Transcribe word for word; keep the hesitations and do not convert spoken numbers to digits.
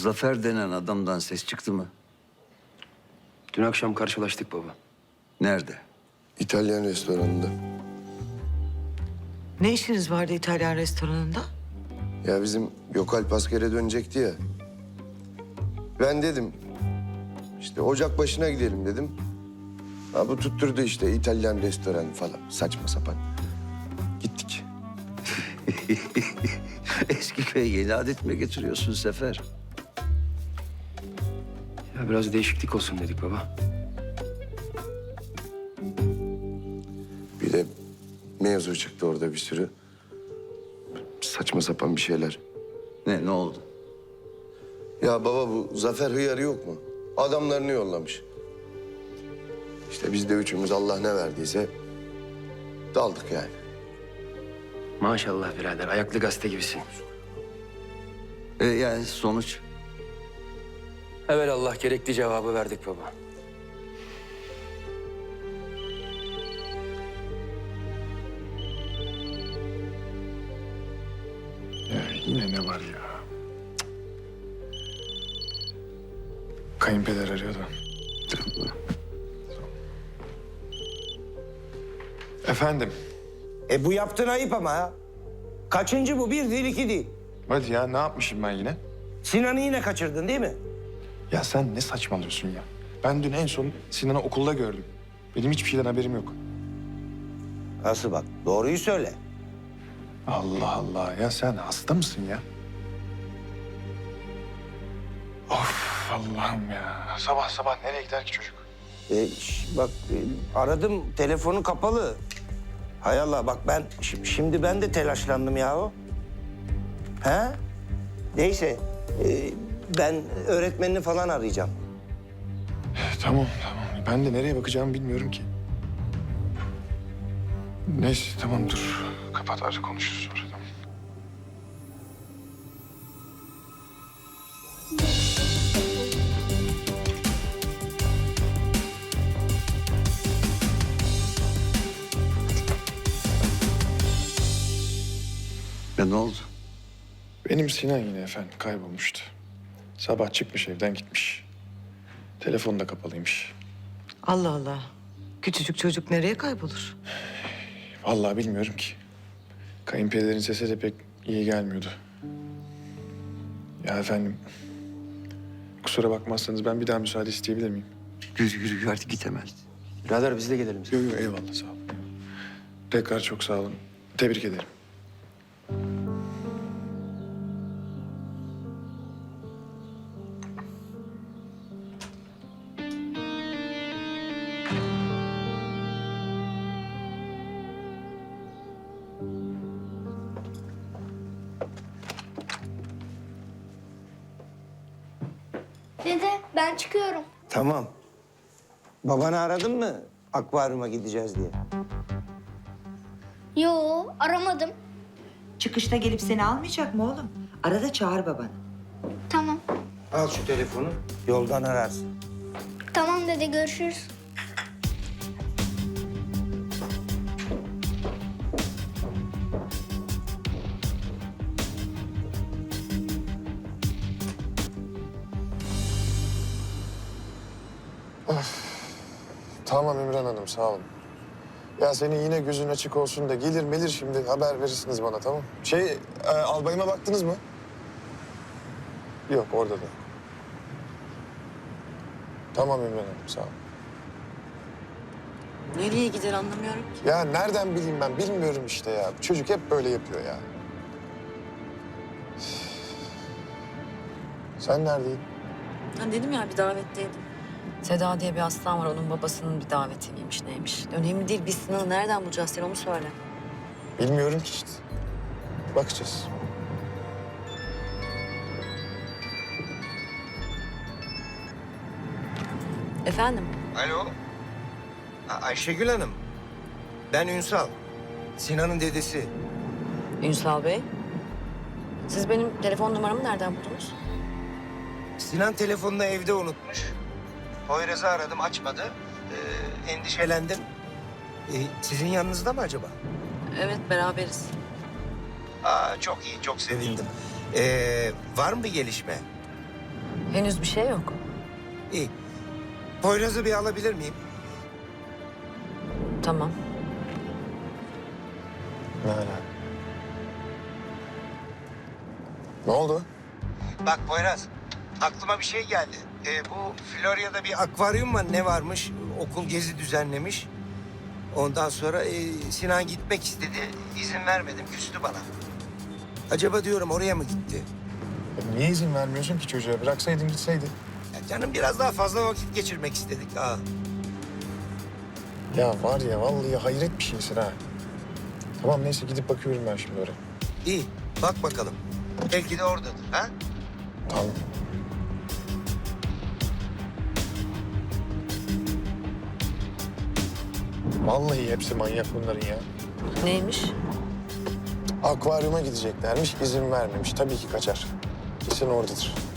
Zafer denen adamdan ses çıktı mı? Dün akşam karşılaştık baba. Nerede? İtalyan restoranında. Ne işiniz vardı İtalyan restoranında? Ya bizim Gökalp askere dönecekti ya. Ben dedim, işte ocak başına gidelim dedim. Ha bu tutturdu işte İtalyan restoranı falan. Saçma sapan. Gittik. Eski köye yeni adet mi getiriyorsun Sefer? Ya biraz değişiklik olsun dedik baba. Bir de mevzu çıktı orada bir sürü. Saçma sapan bir şeyler. Ne, ne oldu? Ya baba bu Zafer hıyarı yok mu? Adamlarını yollamış. İşte biz de üçümüz Allah ne verdiyse daldık yani. Maşallah birader, ayaklı gazete gibisin. E, yani sonuç? Evelallah gerekli cevabı verdik baba. Ya yine ne var ya? Cık. Kayınpeder arıyordu. Efendim? E bu yaptığın ayıp ama ha. Kaçıncı bu? Bir değil, iki değil. Hadi ya ne yapmışım ben yine? Sinan'ı yine kaçırdın değil mi? Ya sen ne saçmalıyorsun ya? Ben dün en son Sinan'ı okulda gördüm. Benim hiçbir şeyden haberim yok. Nasıl bak? Doğruyu söyle. Allah Allah ya sen hasta mısın ya? Of Allah'ım ya. Sabah sabah nereye gider ki çocuk? E, ş- bak e, aradım, telefonu kapalı. Hay Allah bak ben şi- şimdi ben de telaşlandım yahu. He? Neyse e, ben öğretmenini falan arayacağım. Tamam tamam. Ben de nereye bakacağımı bilmiyorum ki. Neyse tamam dur. Kapat artık konuşuruz sonra tamam. Ya ne oldu? Benim Sinan yine efendim kaybolmuştu. Sabah çıkmış evden gitmiş. Telefonu da kapalıymış. Allah Allah. Küçücük çocuk nereye kaybolur? Vallahi bilmiyorum ki. Kayınpederin sesi de pek iyi gelmiyordu. Ya efendim, kusura bakmazsanız ben bir daha müsaade isteyebilir miyim? Yürü yürü yürü, hadi git hemen. Birader biz de gelelim. Yok yok eyvallah sağ olun. Tekrar çok sağ olun. Tebrik ederim. Dede ben çıkıyorum. Tamam. Babanı aradın mı akvaryuma gideceğiz diye? Yo aramadım. Çıkışta gelip seni almayacak mı oğlum? Arada çağır babanı. Tamam. Al şu telefonu. Yoldan ararsın. Tamam dede görüşürüz. Tamam İmran Hanım sağ olun. Ya senin yine gözün açık olsun da gelir melir şimdi haber verirsiniz bana tamam. Şey e, albayıma baktınız mı? Yok orada da. Tamam İmran Hanım sağ olun. Nereye gider anlamıyorum ki. Ya nereden bileyim ben bilmiyorum işte ya. Çocuk hep böyle yapıyor ya. Sen neredeydin? Ha dedim ya bir davetteydim. Seda diye bir aslan var. Onun babasının bir daveti miymiş neymiş. Önemli değil. Biz Sinan'ı nereden bulacağız sen onu söyle. Bilmiyorum ki işte. Bakacağız. Efendim? Alo. A- Ayşegül Hanım. Ben Ünsal. Sinan'ın dedesi. Ünsal Bey. Siz benim telefon numaramı nereden buldunuz? Sinan telefonunu evde unutmuş. Poyraz'ı aradım açmadı. Ee, endişelendim. Ee, sizin yanınızda mı acaba? Evet beraberiz. Aa, çok iyi, çok sevindim. Ee, var mı bir gelişme? Henüz bir şey yok. İyi. Poyraz'ı bir alabilir miyim? Tamam. Ne ala? Ne oldu? Bak Poyraz, aklıma bir şey geldi. Ee, bu Florya'da bir akvaryum var, ne varmış? Okul gezi düzenlemiş. Ondan sonra e, Sinan gitmek istedi. İzin vermedim, küstü bana. Acaba diyorum oraya mı gitti? E, niye izin vermiyorsun ki çocuğa? Bıraksaydın gitseydi. Ya canım biraz daha fazla vakit geçirmek istedik ha. Ya var ya vallahi hayret bir şeysin ha. Tamam neyse gidip bakıyorum ben şimdi oraya. İyi, bak bakalım. Belki de oradadır ha? Tamam. Vallahi hepsi manyak bunların ya. Neymiş? Akvaryuma gideceklermiş, izin vermemiş. Tabii ki kaçar. Kesin oradadır.